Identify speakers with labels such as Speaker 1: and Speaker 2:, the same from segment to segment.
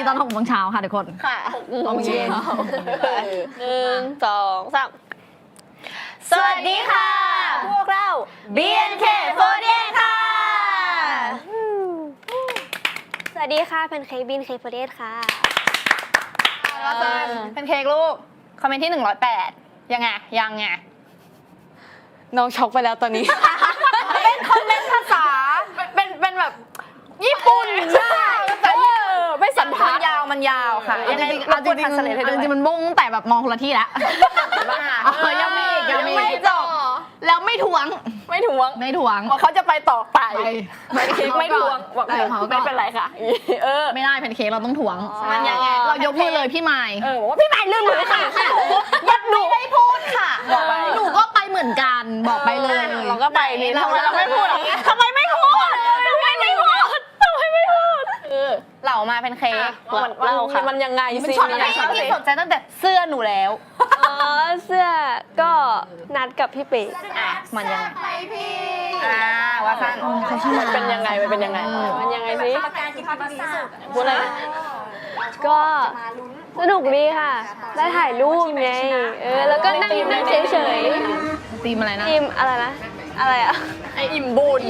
Speaker 1: ตอน6 โมงเช้าค่ะทุกคน
Speaker 2: ค่ะ
Speaker 1: 6 โมงเย็น
Speaker 2: 1 2 3สวัสดีค่ะพวกเรา BNK48 ค่ะ
Speaker 3: สวัสดีค่ะแพนเค้กบินเคโฟเดสค่ะ
Speaker 2: แล้วก็เป็นเค้กลูกคอมเมนต์ที่108ยังไง
Speaker 4: น้องช็อกไปแล้วตอนนี้
Speaker 2: เป็นคอมเมนต์ภาษาเป็นแบบญี่ปุ่นใช่ไม่สันทัดมันยาวค่ะยังไงเอาจริงๆ
Speaker 1: มันบุ้งแต่แบบมองคนละที่แล้วยังไม่
Speaker 2: จบ
Speaker 1: แล้วไม่ทวง
Speaker 2: ไม่ถ่วงเขาจะไปต่อไปเค้กไม่ถ่วงบอกไม่เป็นไรค่ะ
Speaker 1: ไม่ได้แพนเค้กเราต้องทวง
Speaker 2: มันยังไง
Speaker 1: เรายกมือเลยพี่ไมค์
Speaker 2: บอกว่าพี่ไมค์ลืมมือค่ะยัดหนูไม่พูดค่ะบอกไป
Speaker 1: หนูก็ไปเหมือนกันบอกไปเลย
Speaker 2: เราก็ไปนี่เราไม่พูดทำไมไม่พูดเหล่ามาเป็นเค้กมันยังไงสิพี่สนใจตั้งแต่เสื้อหนูแล้ว
Speaker 3: เสื้อก็นัดกับพี่เป๊ก
Speaker 2: มันยังไงว่าสั้นมันเป็นยังไงสิพูดอะไร
Speaker 3: ก็สนุกดีค่ะได้ถ่ายรูปไงแล้วก็นั่งเฉย
Speaker 1: ๆทีมอะไรนะ
Speaker 3: ทีมอะไรนะอะไรอะ
Speaker 2: ไออิ่มบุญ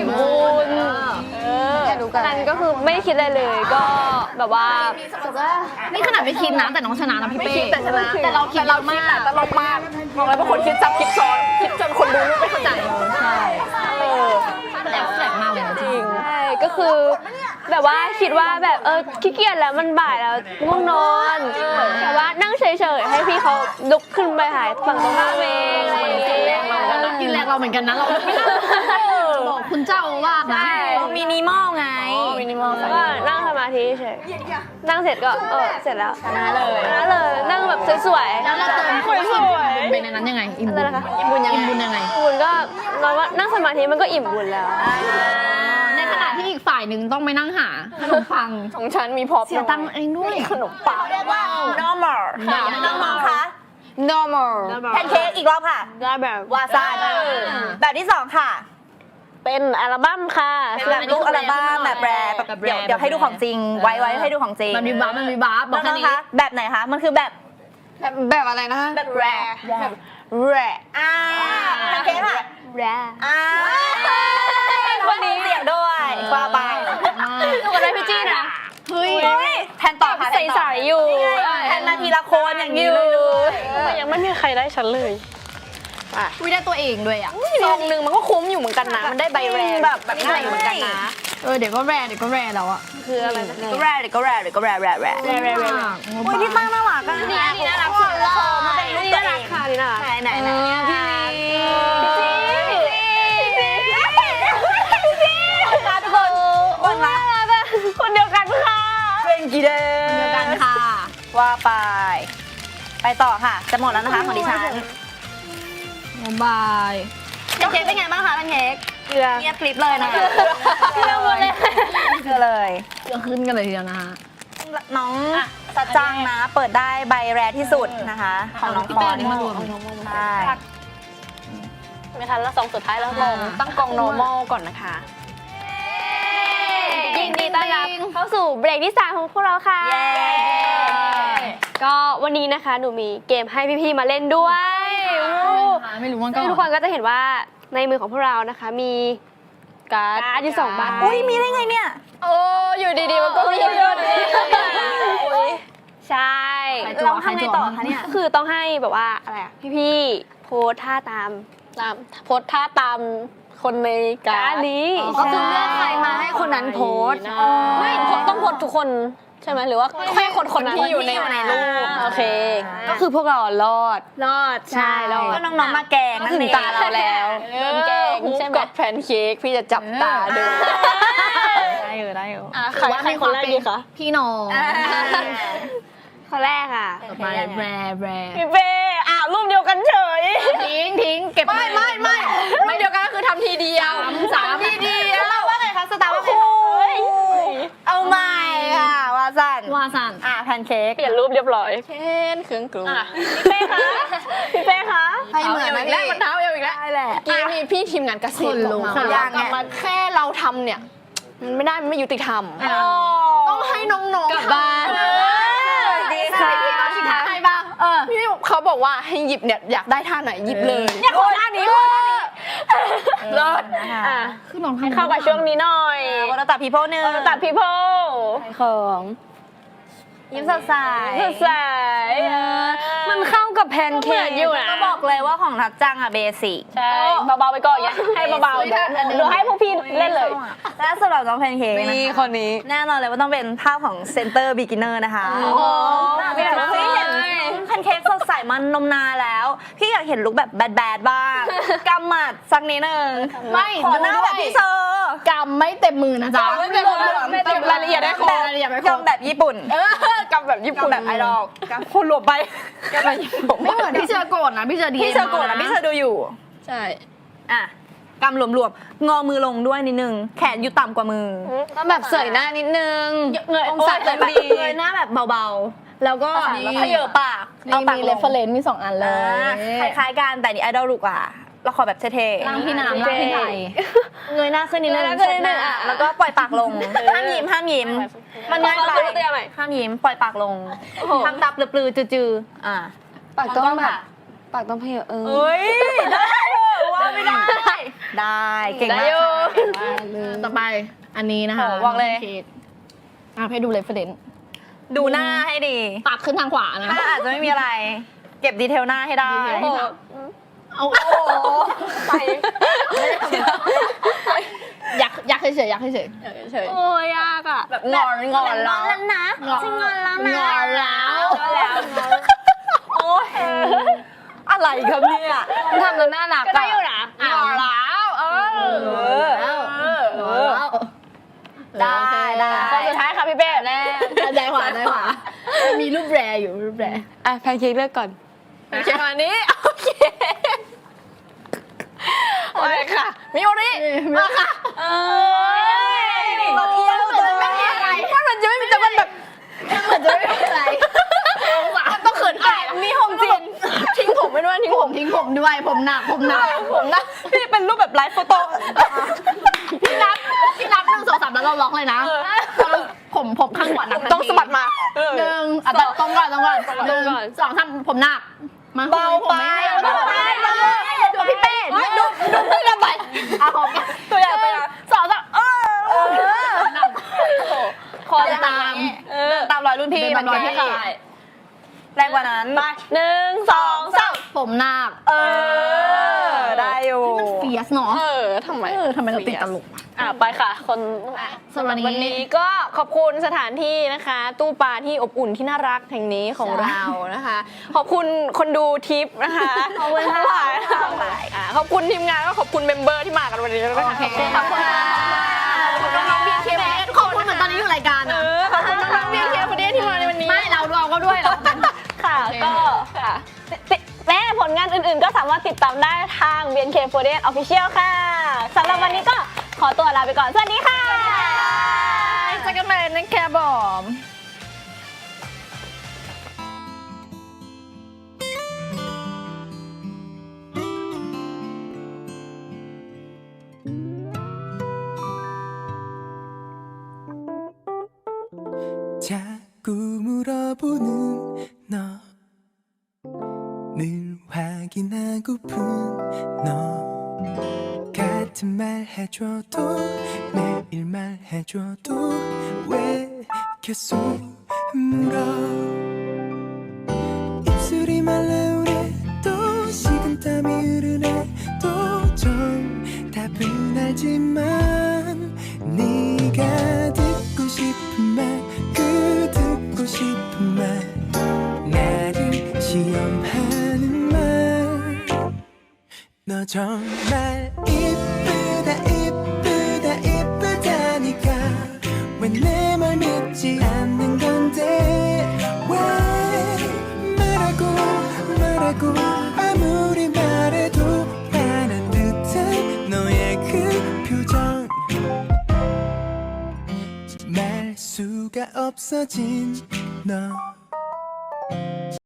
Speaker 3: นั่นก็คือไม่คิดอะไรเลยก็แบบว่า
Speaker 1: นี่ขนาดไม่คิดนะแต่น้องชนะนะพี่เป้
Speaker 2: แต่ชนะแต่เราคิดมากตลกมากบอกเลยว่าคนคิดซับคิดซ้อนคิดจนคนดูไม่เข้าใจ
Speaker 1: ใช่แอบแฝงมากเลย
Speaker 3: จริงใช่ก็คือแบบว่าคิดว่าแบบขี้เกียจแล้วมันบ่ายแล้วง่วงนอนแต่ว่านั่งเฉยๆให้พี่เขาลุกขึ้นไปหายฝั่งตรงข้ามเองอะไรอย่างเงี้ย
Speaker 1: กินแรงเราเหมือนกันนะเราบอกคุณเจ้าว่านะ
Speaker 2: มินิมอลไง
Speaker 3: ก็นั่งสมาธิเฉยนั่งเสร็จก็เสร็จแล้วชนะเลยนั่งแบบสวยๆ
Speaker 1: แล้วเราเติมคนสวยเป็นในนั้นยังไงอิ่มบุญยังไงอิ่มบุญ
Speaker 3: ก็เราว่านั่งสมาธิมันก็อิ่มบุญแล้ว
Speaker 1: ในขณะที่อีกฝ่ายหนึ่งต้องไปนั่งหาขนมปัง
Speaker 2: ของฉันมีพอ
Speaker 1: เสียตังค์เองด้วย
Speaker 2: ขนมปังเรียกว่า normal ค่ะ normal แพนเค้กอีกรอบค่ะ
Speaker 3: แบบ
Speaker 2: วาซาแบบที่2ค่ะ
Speaker 3: เป็นอัลบั้มค่ะ
Speaker 2: แบบลูกอัลบั้มแบบแรปเดี๋ยวให้ดูของจริงไว้ให้ดูของจริง
Speaker 1: มันมีบัฟบอกแค่นี้
Speaker 2: แบบไหนคะมันคือแบบ
Speaker 4: อะไรนะ
Speaker 2: แบบแรปโอเคค่ะ
Speaker 3: แรป
Speaker 2: คนนี้เสียงด้วยว่าไป
Speaker 3: ดูกันได้พี่จี้นะ
Speaker 2: เฮ้ยแทนต่อค่ะ
Speaker 3: ใสๆอยู่
Speaker 2: แทนนาทีละคนอย่างนี้เลย
Speaker 3: ยังไม่มีใครได้ฉันเลย
Speaker 1: วิได้ตัวเองด้วย
Speaker 2: ซองนึงมันก็คุ้มอยู่เหมือนกันนะมันได้ใบแรแบบนี้เหมือนกันนะ
Speaker 1: เดี๋ยวก็แรแล้วอ่ะ
Speaker 3: คืออะไรนะ
Speaker 2: ก็แรโอ้ยพี่ตั้งน่ารักอ่ะ
Speaker 3: นี่น่ารักสุดเลยมันเป็นรูปน่ารักค่ะนี่น่ารัก
Speaker 2: ไหนคนเดียวกันค่ะเป็นกี่เดื
Speaker 1: อนค่ะ
Speaker 2: ว่าไปต่อค่ะจะหมดแล้วนะคะของดิฉัน
Speaker 1: บาย
Speaker 2: เค้กเป็นไงบ้างคะท่านเค้กเงียบคลิปเลยนะเ
Speaker 3: ราหมดเลย
Speaker 1: ขึ้นกันเลยทีเดียวนะคะ
Speaker 2: น้องสัจจังนะเปิดได้ใบแรที่สุดนะคะของน้องปอนใช่
Speaker 3: ไม่ทันแล้ว2สุดท้ายแล้ว
Speaker 2: ตั้งกอง normal ก่อนนะคะ
Speaker 3: ยินดีต้อนรับเข้าสู่เบรกที่3ของพวกเราค่ะก็วันนี้นะคะหนูมีเกมให้พี่ๆมาเล่นด้วย
Speaker 1: ไม่รู้มันก็
Speaker 3: ทุกคนก็จะเห็นว่าในมือของพวกเรานะคะมีการ์ดอยู่2 ใบ
Speaker 2: อุ้ยมีได้ไงเนี่ย
Speaker 3: อยู่ดีๆมันก็มีใช่
Speaker 2: เราทำไงต่อคะเนี่ย
Speaker 3: คือต้องให้แบบว่าอะไรพี่ๆโพสท่าตามคนในการ์ดนี้
Speaker 2: ก็คือเลือกใครมาให้คนนั้นโพส
Speaker 3: ไม่ต้องโพสทุกคนใช่ไหมหรือว่าแค่คนที่อยู่ใน
Speaker 2: รูป
Speaker 3: โอเคก็คือพวกเรารอดใช่รอด
Speaker 2: ก็น้องๆมาแกง
Speaker 3: ถึงตาเราแล้วแกงใช่ไหม
Speaker 2: กับแพนเค้กพี่จะจับตาดู
Speaker 1: ได้อยู่
Speaker 3: ใครคนแรกดีคะ
Speaker 1: พี่น้อง
Speaker 3: คนแรกค่ะ
Speaker 1: มาแร
Speaker 2: พี่เป้รูปเดียวกันเฉย
Speaker 1: ทิ้งเก็บ
Speaker 2: ไม่รูปเดียวกันก็คือทำทีเดียว3ทีเดียวว่าไงคะสตาร์ว่าไงเอาใหม่ค่ะวาซันแพนเค้ก
Speaker 3: เปลี่ยนรูปเรียบร้อย
Speaker 2: เช่นเครื่องกลุ่ม
Speaker 3: พี่เป้คะ
Speaker 2: ให้เหมือนอีกแล้วมันเท้าเอวอีกแล้ว
Speaker 3: ได้แหละ
Speaker 2: มีพี่ทีมงานกระซิบบอกมาแค่เราทำเนี่ยมันไม่ได้มันไม่ยุติธรรม
Speaker 1: ต้องให้น้องๆ
Speaker 4: กลับบ้าน
Speaker 2: ดีค่ะ
Speaker 1: พี่น้องทิ้งท้ายให้บ้าง
Speaker 4: พี่เขาบอกว่าให้หยิบเนี่ยอยากได้ท่าไหนหยิบเลย
Speaker 1: เนี่ยคนท่านี้
Speaker 4: เลิศ
Speaker 3: อ่ะ
Speaker 1: คือน้อง
Speaker 3: ให้เข้ากับช่วงนี้หน่อย
Speaker 2: วันตัดพีโพหนึ่ง
Speaker 3: ตัดพี่โพ
Speaker 4: ของ
Speaker 2: ยิ้มสดใส
Speaker 3: สดใส
Speaker 4: มันเข้ากับแพนเค้ก
Speaker 3: อยู่นะ
Speaker 2: ก็บอกเลยว่าของทัดจังอะเบสิก
Speaker 3: ใช่เบาๆไปก่อนอย่าให้เบาๆเดี๋ยวให้พวกพี่เล่นเลย
Speaker 2: และสำหรับน้องแพนเค้ก
Speaker 4: นี่
Speaker 2: นะคะ
Speaker 4: คนนี้
Speaker 2: แน่นอนเลยว่าต้องเป็นภาพของเซนเตอร์บิกินเนอร์นะคะ
Speaker 3: ไม่อยาก
Speaker 2: พี่เห็นแพนเค้กสดใสมันนมนานแล้ว พี่อยากเห็นลุคแบบแบดๆบ้างกำหมัดสักนิดนึง
Speaker 1: ไม่
Speaker 2: ขอหน้าแบบพี่เซอร์
Speaker 1: กำไม่เต็มมือนะจ๊ะ
Speaker 2: ไม่เต็มมือ
Speaker 1: เต็มรายละเอียดได้ครบรายละเอียดไม่ครบ
Speaker 2: กำแบบญี่ปุ่น
Speaker 4: กำแบบญี่ปุ่น
Speaker 2: กำแบบไอดอลกำคุณหลบไป
Speaker 4: กำแบบญี่ปุ่น
Speaker 1: ไม่เหมือนพี่เชอร์โกรธนะพี่เชอร์ดี
Speaker 2: พี่เซอร์โกรธนะพี่เซอร์ดูอยู่
Speaker 4: ใช่
Speaker 2: อ่ะกำหลวมๆงอมือลงด้วยนิดนึงแขนอยู่ต่ำกว่ามือ
Speaker 4: ต้องแบบเสยหน้านิดนึง
Speaker 2: เงย
Speaker 4: องศา
Speaker 2: แบบ
Speaker 4: เต็มดี
Speaker 2: เงยหน้าแบบเบาๆ แล้วก็
Speaker 1: นี่
Speaker 2: เขยอปาก
Speaker 1: นี่
Speaker 2: ปาก
Speaker 1: มี
Speaker 2: ล
Speaker 1: เรง ฟเฟรนซ์มี2 อันเลย
Speaker 2: คล้ายๆกันแต่นี่ไอดอลลูกอ่ะเราขอแบบเท่ๆ
Speaker 1: ร่างพี่น้ำร่างพี่ไทย
Speaker 2: เงยหน้าขึ้นนิดนึง
Speaker 3: เงยหน้าขึ้นนิดนึง
Speaker 2: อ่ะแล้วก็ปล่อยปากลงห้ามยิ้มห้ามยิ้มมันง่ายไป
Speaker 3: เตือนใหม่
Speaker 2: ห้ามยิ้มปล่อยปากลงทำตาปลือๆจือๆอ่ะ
Speaker 4: ปากต้องแบบปากต้องเพยเ
Speaker 2: เอ้ยได้ว่าไม่ได้ ได้เก่ง
Speaker 3: ได้
Speaker 2: มาก
Speaker 3: อยู่
Speaker 1: ต่อไปอันนี้นะคะ
Speaker 2: โอ้บอกเลย
Speaker 1: ให้ดูเรฟเฟรนซ์
Speaker 2: ดูหน้าให้ดี
Speaker 1: ปากขึ้นทางขวานะ
Speaker 2: ถ้าอาจจะไม่มีอะไร เก็บดีเทลหน้าให้ได้
Speaker 1: ดีเทล เอา
Speaker 3: ไป
Speaker 1: อยากเฉยๆอยากเฉย
Speaker 4: เฉย
Speaker 3: โอ้ยยากอ่ะ
Speaker 2: แบบงอนแล้วนะ
Speaker 1: ๆงอน
Speaker 2: ฉันงอนแล้ว
Speaker 1: ง
Speaker 2: นะ
Speaker 1: อนแล้ว
Speaker 2: โอ้ยอะไรครับเนี่ย
Speaker 4: ทำแล้วน่ารัก
Speaker 3: ก็ได้อยู่นะ
Speaker 1: งอนแล้วแล้ว
Speaker 2: ได้
Speaker 3: คนสุดท้ายค่ะพี่เป้
Speaker 1: ได้ขวาได้ขวามีรูปแรอยู่รูปแร
Speaker 4: อ่ะแพนเค้กเลือกก่อน
Speaker 3: โอเควันนี้โอเคโอเคค่ะมิโอริมาค่ะ
Speaker 2: ตัวเอี้ยวตัวไม่มีอะไร
Speaker 3: มันจะไม่มีแต่มันแบบ
Speaker 1: เหมือนจะไม่เป็นไร
Speaker 3: ต้องเขินอายมีหงจินทิ้งผมไปด้วยทิ้ง
Speaker 1: ผ
Speaker 3: ผม
Speaker 1: มทิ้งผมด้วยผมหนัก
Speaker 3: ผมนะ
Speaker 2: พี่เป็นรูปแบบไลฟ์โฟโต้
Speaker 1: พี่นับ1 2 3แล้วเราล็อกเลยนะผมข้างขวาหนัก
Speaker 3: ต้องสะบัดมา
Speaker 1: 1ตรงก่อน1 2 3ผมหนักมา
Speaker 2: เบาไป
Speaker 1: ดูพี่เป้ดูพี่ระบายอ่ะผม
Speaker 3: ตัวอย่าง
Speaker 1: 2 3
Speaker 3: ขอ
Speaker 1: จะตาม
Speaker 2: ตามรอยรุ่นพี่
Speaker 1: เดิน
Speaker 2: มัน
Speaker 1: ตามรอยพี่
Speaker 2: แรงกว่านั้น
Speaker 3: ไป1 2 3
Speaker 1: ผมหนัก
Speaker 2: ได้อยู่
Speaker 1: มันเฟียสเนาะ
Speaker 4: ทำไม
Speaker 1: ทำไมเราติดตลก
Speaker 3: ไปค่ะคน
Speaker 1: สำหรับ
Speaker 3: วันนี้ก็ขอบคุณสถานที่นะคะ ตู้ปลาที่อบอุ่นที่น่ารักแห่งนี้ของเรานะคะ ขอบคุณคนดูทิปนะคะขอบคุณทั้งหลายขอบคุณทีมงานก็ขอบคุณเมมเบอร์ที่มากันวันนี้ด้วยนะคะ
Speaker 1: ขอบคุณค่ะขอบคุณน้องบีเคขอบคุณเหมือนตอนนี้อยู่รายการอ่ะ
Speaker 3: ขอบคุณน้องเบียร์เคียร์พอดีที่มาในวันนี้
Speaker 1: ไม่เราก็ด้วยเรา
Speaker 3: ค่ะก็ค่ะแม่ผลงานอื่นๆ ก็สามารถติดตามได้ทาง BNK48 Official ค่ะสำหรับวันนี้ก็ขอตัวลาไปก่อน สวัสดีค่ะ
Speaker 1: เจอกันใหม่นะคะบอม
Speaker 5: 자꾸물어보는 너늘확인하고픈 너 같은 말 해줘도 매일 말해줘도 왜 계속 물어 입술이 말라오래도 식은땀이 흐르네도 정답은 알지만 네가 듣고 싶은 말 듣고 싶은 말 나를 시험하는 말 너 정말 이쁘다 이쁘다 이쁘다니까 왜 내 말 믿지 않는 건데 왜 말하고 아무리 말해도 화난 듯한 너의 그 표정 말 수가 없어진 너